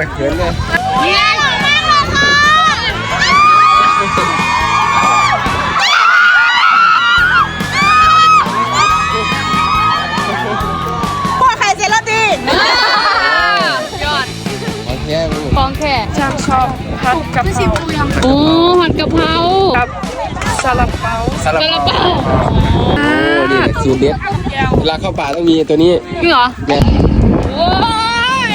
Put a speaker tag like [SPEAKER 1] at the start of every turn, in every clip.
[SPEAKER 1] เขินเลย
[SPEAKER 2] พ่อใครเซลตียอดของแค่
[SPEAKER 3] ช่างชอบผัดกะเพรา
[SPEAKER 2] โอ้ผัดกะเพรา
[SPEAKER 3] กับซาลาเปา
[SPEAKER 1] ซาลาเปาโอ้นี่สูตรเด็ดเวลาเข้าป่าต้องมีตัวนี้
[SPEAKER 2] จริงเหรอ
[SPEAKER 1] เนี่ย
[SPEAKER 2] โอ้ย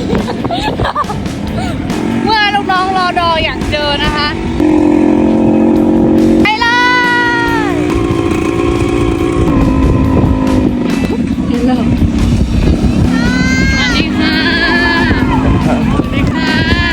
[SPEAKER 2] เมื่อลูกน้องรอดออยากเจอนะคะไปเลยสวัสดีค่ะสวัสดีค่ะ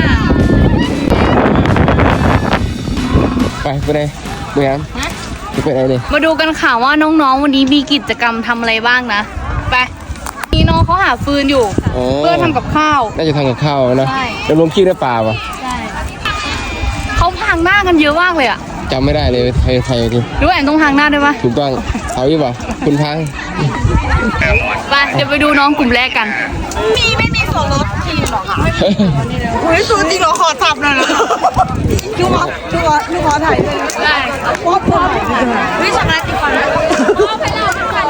[SPEAKER 1] ไปไหนเมื่อยังจะไปไหนเนี่ย
[SPEAKER 2] มาดูกันค่ะว่าน้องๆวันนี้มีกิจกรรมทำอะไรบ้างนะไปนี่น้องเขาหาฟืนอยู่เพื่อทำกับข้าว
[SPEAKER 1] น่าจะทำกับข้าวนะจะลงขี้ได้ป่าป่ะ
[SPEAKER 2] ใช่เขาพางหน้ากันเยอะมากเลยอ่ะ
[SPEAKER 1] จำไม่ได้เลยไทยที
[SPEAKER 2] รู้แอนต้องพางหน้าด้วยปะ
[SPEAKER 1] ถูกต้องเอาอยู่ป่ะคุณพัง
[SPEAKER 2] ไปเดี๋ยวไปดูน้องกลุ่มแรกกันไม่มีส่วนลดทีมหรอคะเฮ้ยสูจริงเหรอขอทับหน่อยนะดูขอถ่ายเลยได้ป๊อปวิชาการติดก่อนนะไปเล่า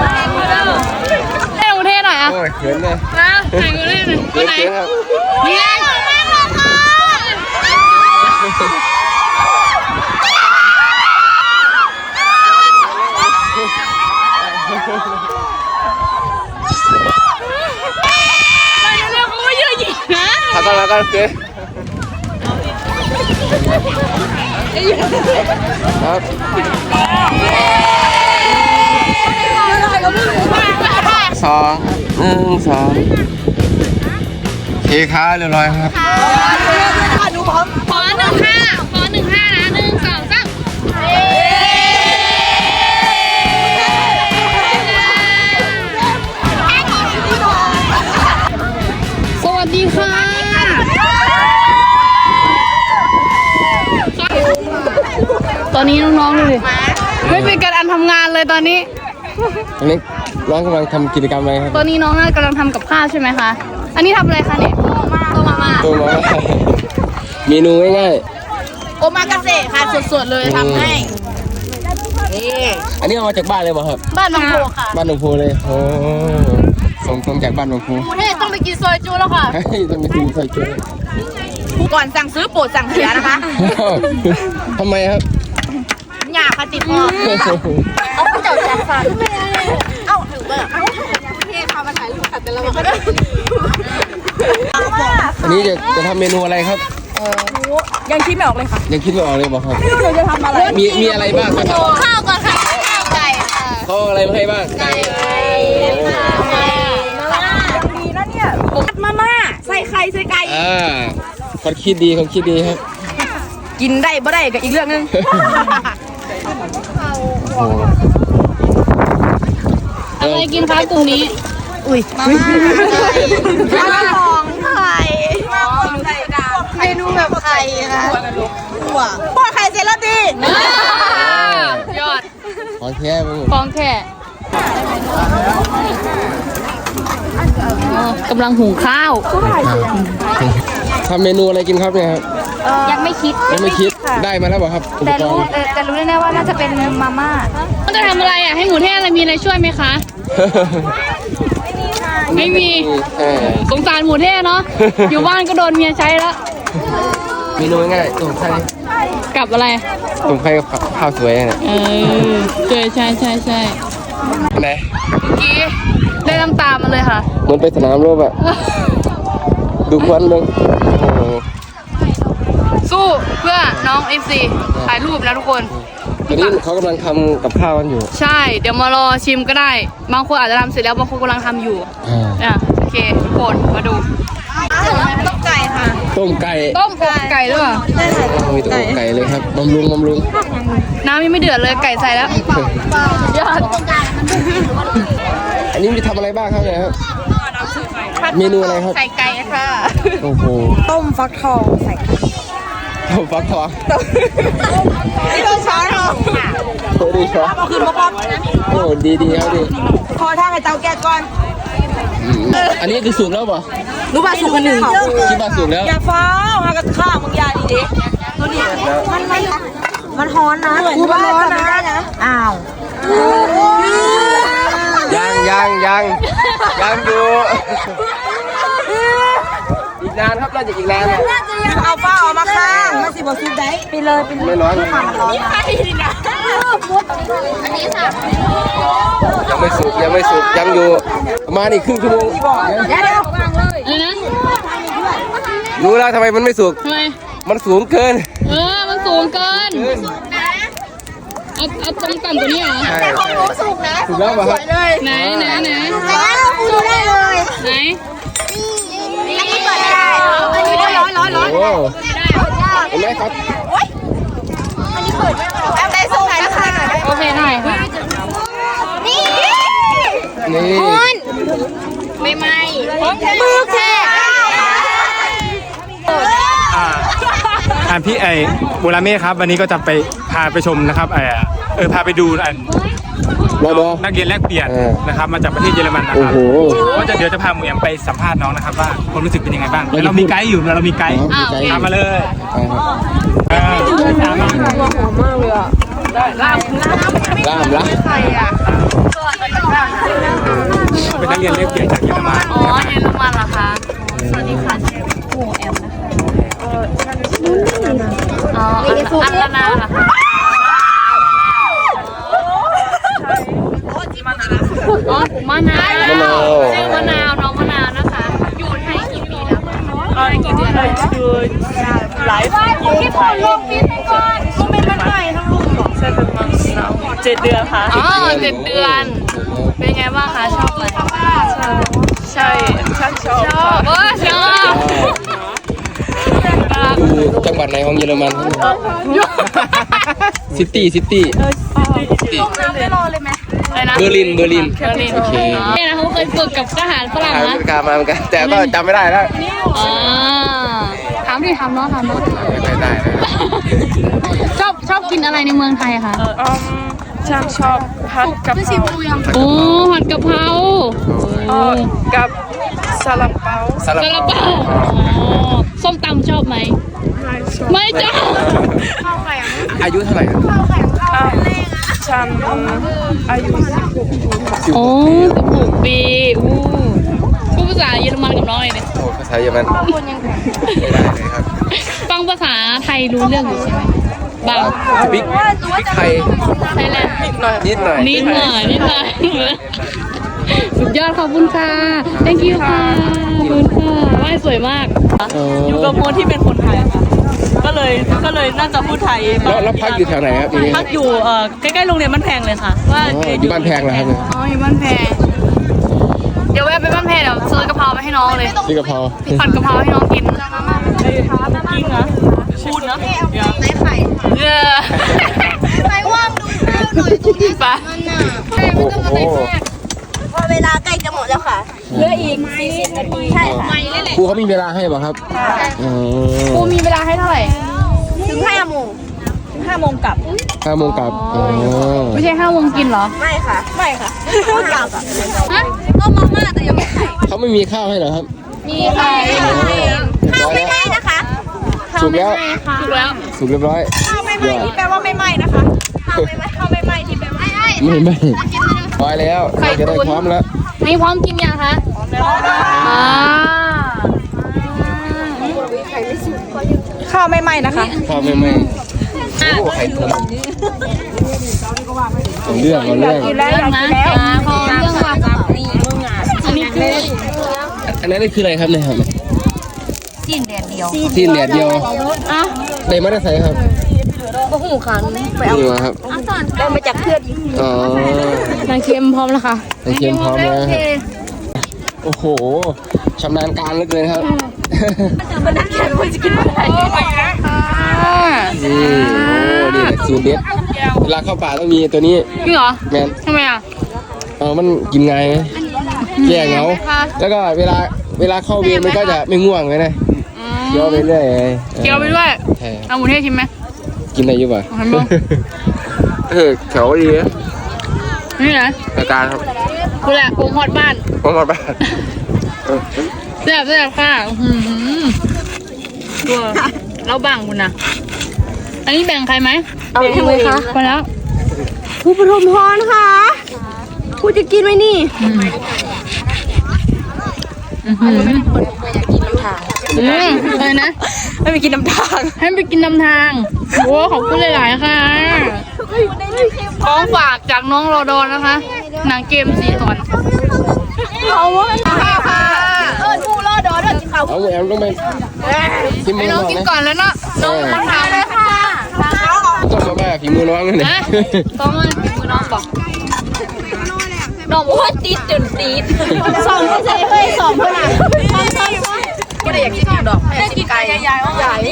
[SPEAKER 2] เล่าเท่หน่อยอ่ะ
[SPEAKER 1] โอ้ยเขินเลย
[SPEAKER 2] นะถ่ายกูเล่นหน่อยตัวไหนนี่ไง
[SPEAKER 1] แล้วก็โอเคครับ2 1 2เคค้าเรียบร้อยครับ
[SPEAKER 2] ขอ15นะ1 2 3สวัสดีค่ะตอนนี้น้องๆเลยไม่เป็นการทำงานเลยตอนนี้
[SPEAKER 1] น้องกำลังทำกิจกรรมอะไรครับ
[SPEAKER 2] ตอนนี้น้องกำลังทำกับข้าวใช่ไหมคะอันนี้ทำอะไรคะเนี่ยตัวมา
[SPEAKER 1] เมนูง่าย
[SPEAKER 2] ๆโอมากาเสะค่ะสดๆเลยทำให้
[SPEAKER 1] อันนี้เอามาจากบ้านเลยป่ะครับ
[SPEAKER 2] บ้านหนองโพค่ะ
[SPEAKER 1] บ้านหนองโพเลยโอ้ส่งตรงจากบ้านหนองโพ
[SPEAKER 2] เฮ้ยต้องไปกินซอยจูแล้วค่ะ
[SPEAKER 1] ต้องไปกินซอยจู
[SPEAKER 2] ก่อนสั่งซื้อโปรดสั่งเสียนะคะ
[SPEAKER 1] ทำไมครับ
[SPEAKER 2] หยาค่ะติดคอเอาผู้เจ้าจัดฟันเอ้าถือเบอร์พี่พามาถ่ายรูปขัดแต่ละวัน
[SPEAKER 1] อันนี้จะทำเมนูอะไรครับ
[SPEAKER 3] ยังคิดไม่ออกเลยค่ะ
[SPEAKER 1] ยังคิดไม่ออกเลยบอกครับ
[SPEAKER 3] หนูจะทำอะไร
[SPEAKER 1] มีอะไรบ้างครับ
[SPEAKER 2] ข้าวก่อนค่ะข้าวไก่ค่ะ
[SPEAKER 1] เขาอะไรมาให้บ้าง
[SPEAKER 2] ไก่
[SPEAKER 3] ดีนะเนี่ยมาม่าใส่ไข่ใส่ไก่
[SPEAKER 1] คนคิดดีครับ
[SPEAKER 3] กินได้บ่ได้กับอีกเรื่องนึง
[SPEAKER 2] อะไรกินคะกลุ่มนี้
[SPEAKER 3] อุ้ย
[SPEAKER 2] มาของไข่เมนูแบบไข่ค่ะพ่อไข่เซลตียอด
[SPEAKER 1] ของแค่
[SPEAKER 2] กำลังหุงข้าว
[SPEAKER 1] ทำเมนูอะไรกินครับเนี่ยครับ
[SPEAKER 2] ยังไม่คิด
[SPEAKER 1] ได้มาแล้วเปล่าครับ
[SPEAKER 2] แต่รู้แน่ๆว่าน่าจะเป็นมาม่าต้องจะทำอะไรอ่ะให้หมูเทศอะไรมีอะไรช่วยไหมคะไม่มีสงสารหมูเทศเนาะอยู่บ้านก็โดนเมียใช้แล้ว
[SPEAKER 1] เมนูง่ายตุ่มไข่
[SPEAKER 2] กับอะไร
[SPEAKER 1] ตุ่มไข่กับข้าวสวยเนี่ย
[SPEAKER 2] ใช่
[SPEAKER 1] ไหน
[SPEAKER 2] เมื่อกี้ได้น้ำตามาเลยค่ะ
[SPEAKER 1] เหมือนไปสนามรบอะดูควันเลย
[SPEAKER 2] สู้เพื่อน้อง FC ถ่ายรูปนะทุกคน
[SPEAKER 1] ตอนนี้เขากำลังทำกับข้าวกันอยู่
[SPEAKER 2] ใช่เดี๋ยวมารอชิมก็ได้บางคนอาจจะทำเสร็จแล้วบางคนกำลังทำอยู่โอเคทุกคนมาดูต้มไก่ค่ะ
[SPEAKER 1] ต้มไก่
[SPEAKER 2] ด้วย
[SPEAKER 1] มีต้มไก่เลยครับบำรุง
[SPEAKER 2] น้ำยังไม่เดือดเลยไก่ใส่แล้วยอด
[SPEAKER 1] อันนี้จะทำอะไรบ้างครับเนี่ยครับเมนูอะไรครับ
[SPEAKER 2] ใส่ไก่ค่ะ
[SPEAKER 1] โอ้โห
[SPEAKER 3] ต้มฟักทองใส่
[SPEAKER 1] ต้มฟักทอง
[SPEAKER 3] นี่เราช้อนเหรอ
[SPEAKER 1] ดีช้อน
[SPEAKER 3] ขึ้นมาป๊อป
[SPEAKER 1] โอ้ดีครับดี
[SPEAKER 3] พอท่าให้เตาแก๊สก่อน
[SPEAKER 1] อันนี้คือสุกแล้วป่ะ
[SPEAKER 3] รู้ป่ะสุกกันหนึ่ง
[SPEAKER 1] คิดว่าสุกแล้ว
[SPEAKER 3] อย่าฟ้าวหากระข้ามึงยาดีดิตัวนี้มันฮ้อนนะกูมันร้อนนะอ้าว
[SPEAKER 1] ยังอยู่อีกนานครับน่าจะอีกนานนะ
[SPEAKER 3] เอาฟ้าออกมาข้างมันสิบ่สุกได้ไปเลย
[SPEAKER 1] ไม่ร้อนนะยังไม่สุกยังอยู่ประมาณอีกครึ่งชั่วโมง
[SPEAKER 3] เดี๋ยว
[SPEAKER 2] อะไรนะ
[SPEAKER 1] รู้แล้วทำไมมันไม่สุก
[SPEAKER 2] ทำไม
[SPEAKER 1] มันสูงเกิน
[SPEAKER 2] มันสูงเกินเอาตรงต่ำกว่านี้เหรอ
[SPEAKER 1] ใช่สุกแล้วป่ะครับ
[SPEAKER 2] ไหน
[SPEAKER 3] แล้วกูได้เลย
[SPEAKER 2] ไหน
[SPEAKER 3] อันนี้เปิดได้อันนี้ร้อน
[SPEAKER 1] โอ้เห็นไหมครับ
[SPEAKER 3] แอมได้สุกนะคะ
[SPEAKER 2] โอเคหน่อยค่ะ
[SPEAKER 3] นี่
[SPEAKER 1] นี่
[SPEAKER 2] ไม่ไหม
[SPEAKER 3] มือแค่
[SPEAKER 4] พี่โบราเม่ครับวันนี้ก็จะไปพาไปชมนะครับพาไปดู
[SPEAKER 1] รอ
[SPEAKER 4] นักเรียนแลกเปลี่ยน
[SPEAKER 1] เออ
[SPEAKER 4] นะครับมาจากประเทศเยอรมันนะ
[SPEAKER 1] โอ้
[SPEAKER 4] ครับ
[SPEAKER 1] โห
[SPEAKER 4] ก็เดี๋ยวจะพาหมูแอมไปสัมภาษณ์น้องนะครับว่าความรู้สึกเป็นยังไงบ้างแล้วเรามีไกด์อยู่เรามีไกด์
[SPEAKER 2] อ้าวโอเค
[SPEAKER 4] ตามมาเลยตามมา
[SPEAKER 1] ล่ามละ
[SPEAKER 4] เป็นนักเรียนแลกเปลี่ยนจากเยอรมัน
[SPEAKER 2] อ๋อเยอรมันเหรอคะสวัสดีค่ะเชฟหมูแอมนะคะอ๋ออัตนาเหรอคะอ๋อมะนาวชื่อมะนาวน้องมะนาวนะคะ อยู่ไทยกี่ปีแล้วคะกี่เดือนแล้วอยู่หลายปีที่ผ่านลงปีให้ก่อนก็ไม่เป็นไรทั้งลูกหรอใช่เป็นมังสวิรัติ7 เดือนค่ะอ๋อ7 เดือน เป็นไงบ้างคะชอบไหมใช่ชอบชอบ
[SPEAKER 1] อยู่จังหวัดไหนของเยอรมันซิตี้
[SPEAKER 2] อะไรนะ
[SPEAKER 1] เบอร์ลิน
[SPEAKER 2] เบอร์ลิน
[SPEAKER 1] โอเค
[SPEAKER 2] เนี่ยนะเขาเคยฝึกกับทหารฝรั่งนะ
[SPEAKER 1] การมาเหมือนกันแต่ก็จำไม่ได้แล้ว
[SPEAKER 2] อ๋อถามน้อง
[SPEAKER 1] ไม่ได้นะ
[SPEAKER 2] ชอบกินอะไรในเมืองไทยคะ
[SPEAKER 5] ฉันชอบผัดกะเพรา
[SPEAKER 2] โอ้ผัดกะเพรา
[SPEAKER 5] กับซาลาเปา
[SPEAKER 1] ซาลา
[SPEAKER 2] ซาลา
[SPEAKER 1] เปา
[SPEAKER 2] เปาส้มตำชอบไหมไม่ชอบ
[SPEAKER 1] อายุเท่าไหร่ครับ
[SPEAKER 5] ฉันอายุ16
[SPEAKER 2] โอ้16 ปีอู้พูดภาษาเยอรมันกับน้องเลยเนี่ย
[SPEAKER 1] โอ้ภาษาเยอรมันไม่ได้เลยครับ
[SPEAKER 2] ฟังภาษาไทยรู้เรื่องอยู่ใช่ไหมบาง
[SPEAKER 1] บิ๊กไทย
[SPEAKER 2] ไทยแลนด์
[SPEAKER 1] นิดหน่อย
[SPEAKER 2] นิดหน่อยสุดยอดขอบคุณค่ะ thank you ค่ะขอบคุณค่ะว่ายสวยมาก
[SPEAKER 5] อยู่กับคนที่เป็นคนไทยค่ะก็เลยน่าจะพูดไทย
[SPEAKER 1] แล้วพักอยู่แถวไหนครับทีนี้
[SPEAKER 5] พักอยู่ใกล้ๆโรงเรียนบ้านแพงเลยค่ะว่า
[SPEAKER 1] อยู่บ้านแพงเหรอครับ
[SPEAKER 2] อ๋ออยู่บ้านแพงเดี๋ยวแวะไปบ้านแพงเดี๋ยวซื้อกะเพราไปให้น้องเลย
[SPEAKER 1] ที่กะเพรา
[SPEAKER 2] ผัดกะเพราให้น้องกิน
[SPEAKER 5] จริงนะพูดนะ
[SPEAKER 2] เออ
[SPEAKER 3] ไปว่างดูหน่อยตรงนี้
[SPEAKER 2] ไป
[SPEAKER 1] โอ้โห
[SPEAKER 3] พอเวลาใกล้จะหมดแล้วค่ะเหลืออีก40 นาทีใช่ค่ะ
[SPEAKER 1] ครูเขามีเวลาให้ป่ะครับ
[SPEAKER 2] ครูมีเวลาให้เท่าไหร่
[SPEAKER 3] ถึง5 โมง
[SPEAKER 5] 5 โมงกลับ
[SPEAKER 1] 5 โมงกลับอ๋อ
[SPEAKER 2] ไม่ใช่5 โมงกินเหรอ
[SPEAKER 3] ไม่ค่ะกลับ
[SPEAKER 2] ฮะต้มมาม่าแต่ยังไม่ใส่
[SPEAKER 1] เขาไม่มีข้าวให้เหรอครับ
[SPEAKER 2] มีค่ะ
[SPEAKER 3] ข้าวไม่ไหม้นะคะ
[SPEAKER 1] สุกแล้ว
[SPEAKER 2] ถูกแล้ว
[SPEAKER 1] สุกเรียบร้อย
[SPEAKER 3] ข้าวไม่ไหม้ที่แปลว่าไม่ไหม้นะคะข้าวไม่ไหม้ที่แปลว่า
[SPEAKER 1] ไม่พอแล้วเราจะได้พร้อมแล้ว
[SPEAKER 2] นี่พร้อมกินยังคะอ่า
[SPEAKER 5] ข้าวไม่ไหม้นะคะ
[SPEAKER 1] ข้าวไม่โอ้ไข่ตุ๋นเอาเรื่อง
[SPEAKER 2] เรื่องนะพอเรื่องว่าอันนี้คือ
[SPEAKER 1] อันนั้นคืออะไรครับเนี่ยครับ
[SPEAKER 3] สิ้นแดดเดียว
[SPEAKER 1] ที่เหลียดเดียว
[SPEAKER 2] อ่ะ
[SPEAKER 1] ได้มาได้ใส่ครับ
[SPEAKER 3] ก็หูขันไป
[SPEAKER 1] นี่
[SPEAKER 3] เอา
[SPEAKER 1] มาครับ
[SPEAKER 3] ได้มาจากเพื่อนอีก
[SPEAKER 1] อ๋อน
[SPEAKER 2] างเค็มพร้อมแล้วค่ะ
[SPEAKER 1] ไข่เค็มพร้อมแล้วครับโอ้โหชำนาญการเหลือเกินครับ
[SPEAKER 3] มันน่าแข็งคนจะกินอะไร
[SPEAKER 1] นี่โอ้นี่สูตรเด็ดเวลาเข้าป่าต้องมีตัวนี้
[SPEAKER 2] จริงเหรอ
[SPEAKER 1] แมน
[SPEAKER 2] ทำไมอ่ะ
[SPEAKER 1] มันกินไงไหมแก้เหงาแล้วก็เวลาเข้าเวรมันก็จะไม่ง่วงเลยนะเคี้ยวไปเรื่อย
[SPEAKER 2] เคี้ยวไปด้วย
[SPEAKER 1] ใช่
[SPEAKER 2] เอาหมูเทศชิมไหม
[SPEAKER 1] กินอะไรอยู่ป่ะ
[SPEAKER 2] เอาให้มั้ง
[SPEAKER 1] แถวดีนะ
[SPEAKER 2] นี่นะ
[SPEAKER 1] อาการครับ
[SPEAKER 2] กูแหละโปงฮอดบ้าน
[SPEAKER 1] ผมมาบ้าน
[SPEAKER 2] แซ่บค่ะตัวเราบังคุณนะอันนี้แบ่งใครไหม
[SPEAKER 3] เอาให้มือคะ
[SPEAKER 2] ไปแล้ว
[SPEAKER 3] ผู้ปฐมพรค่ะผู้จะกินไหมนี่
[SPEAKER 2] อะไรนะ
[SPEAKER 3] ไม่ไปกินน้ำทาง
[SPEAKER 2] ให้ไปกินนำทางโอ้ขอบคุณหลายๆค่ะของฝากจากน้องรอดอนนะคะ หนังเกม4 ตอน
[SPEAKER 3] เอาวะค่ะผู้รอดอเด้อกินข้าว
[SPEAKER 1] เอาแอมต้องไปกินมื
[SPEAKER 2] ให้
[SPEAKER 1] อ
[SPEAKER 2] น้
[SPEAKER 1] น้
[SPEAKER 2] อ
[SPEAKER 1] อง ง
[SPEAKER 2] กิน
[SPEAKER 1] นะ
[SPEAKER 2] ก่อนแล้วเนาะน้องคนทำเลยค่ะ
[SPEAKER 1] ต้องมาแบบฝีมือน้องเลย
[SPEAKER 2] นะต้องมามือน้องบอก
[SPEAKER 3] น้องว่าติดจนติดสองเพื่อนจะเฮ้ยสองเพื่อนอ่ะก็ได้อยากกินดอกอยากกินไก่ใหญ่ใหญ่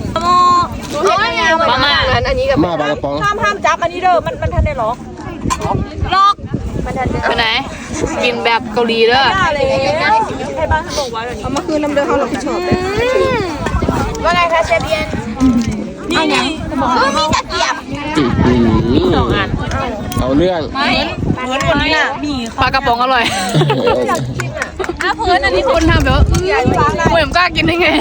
[SPEAKER 3] มาม่าอันนี้กับ
[SPEAKER 1] มาปลากระป๋อง
[SPEAKER 3] ห้ามจับอันนี้เด้อมันทันได้หรอ
[SPEAKER 2] ล็อก
[SPEAKER 3] มันทันได้
[SPEAKER 2] ไปไหน กินแบบเกาหลีเด้อ
[SPEAKER 3] อะไรให้บ้านเขาบอกว่าเอามาคืนน้ำเดือดเขาหลอกที่ชอบว่าไงคะเชฟเบียนนี่ไงมีตะเกียบ
[SPEAKER 1] 2 อันเอาเรื่อง
[SPEAKER 3] เหมือนคนนี้น่ะมี
[SPEAKER 2] ปลากระป๋องอร่อยเพื่อนอันนี้คนทำแบบว่าเหมือนกล้ากินได้ไง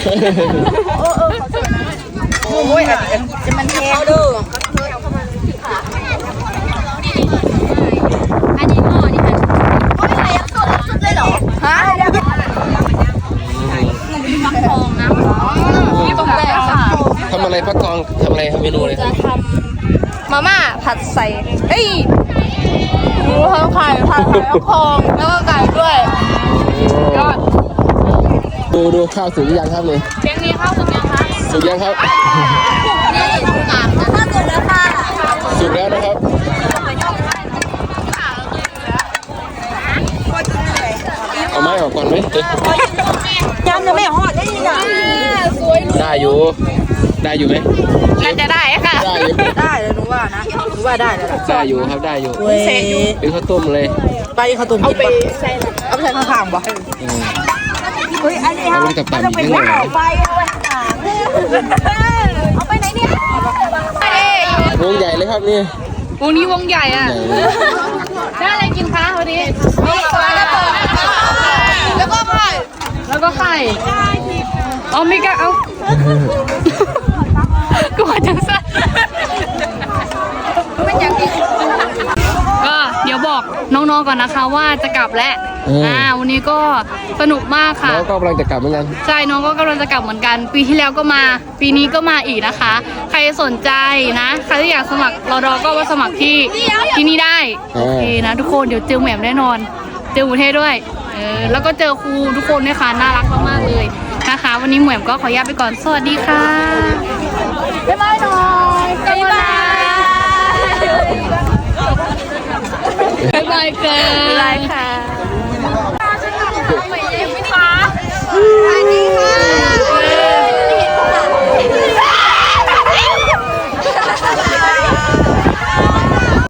[SPEAKER 3] โอ้ยจะมันแห้งเด้ออันนี้หม้อนี่ค่ะโอ้ยอะไรยังสดเลยเหรอฮะนี่ตรงแต่ค่ะ
[SPEAKER 1] ทำอะไรพักกองทำอะไรทำเมนูเลยครับ
[SPEAKER 3] มาม่าผัดใส่เอ้ยหมูทำไข่ผัดใส่ข้าวคองแล้วก็ไก่ด้วยยอด
[SPEAKER 1] ดูข้าวสุกหรือยังครับนี่
[SPEAKER 2] เลี้ยงนี้ข้าวสุกยังคะ
[SPEAKER 1] สุกยังครับ
[SPEAKER 3] นี่ถ้าเกิดแล้วค่ะ
[SPEAKER 1] สุกแล้วนะครับเอาไม้ออกก่อนไหม
[SPEAKER 3] ยำจะไม่หอดได้ยังไง
[SPEAKER 1] ได้อยู่ไหม
[SPEAKER 2] น่าจะได้ค่ะ
[SPEAKER 1] ได้อยู่
[SPEAKER 3] ได้เลยหนูว่านะหนูว่าได้เลย
[SPEAKER 1] ได้อยู่ครับได้อยู่
[SPEAKER 3] เซอยู่
[SPEAKER 1] เป็นข้าวต้มเลย
[SPEAKER 3] ไปข้าวต้มเอาไปใส่ข้างๆบ่เฮ้ยอันนี้
[SPEAKER 1] เอาไว้กับปั่นอีกนิดหน่อย
[SPEAKER 3] ไปเอาไปไหนเนี่ยว
[SPEAKER 1] งใหญ่เลยครับนี่
[SPEAKER 2] วงนี้วงใหญ่อ่ะ
[SPEAKER 1] ใหญ่เลย
[SPEAKER 2] ได้อะไรกินคะวันนี้
[SPEAKER 3] มีปลากระป๋องแล้วก็ไข่
[SPEAKER 2] แล้วก็ไข่เอาไม่กล้าเอากูว่าจังสั้นก็เดี๋ยวบอกน้องๆก่อนนะคะว่าจะกลับแล้ววันนี้ก็สนุกมากค่ะ
[SPEAKER 1] น้องก็กำลังจะกลับเหมือนกัน
[SPEAKER 2] ใช่น้องก็กำลังจะกลับเหมือนกัน ปีที่แล้วก็มา ปีนี้ก็มาอีกนะคะ ใครสนใจนะ ใครที่อยากสมัครรอดอก็มาสมัครที่นี่ได้โอเคนะทุกคนเดี๋ยวเจอแหม่มแน่นอน เจอหมูเทศด้วยแล้วก็เจอครูทุกคนด้วยค่ะน่ารักมากๆเลยนะคะ วันนี้แหม่มก็ขออนุญาตไปก่อนสวัสดีค่ะบ๊ายบายหน่อยบ๊ายบายบ๊ายบายค่ะ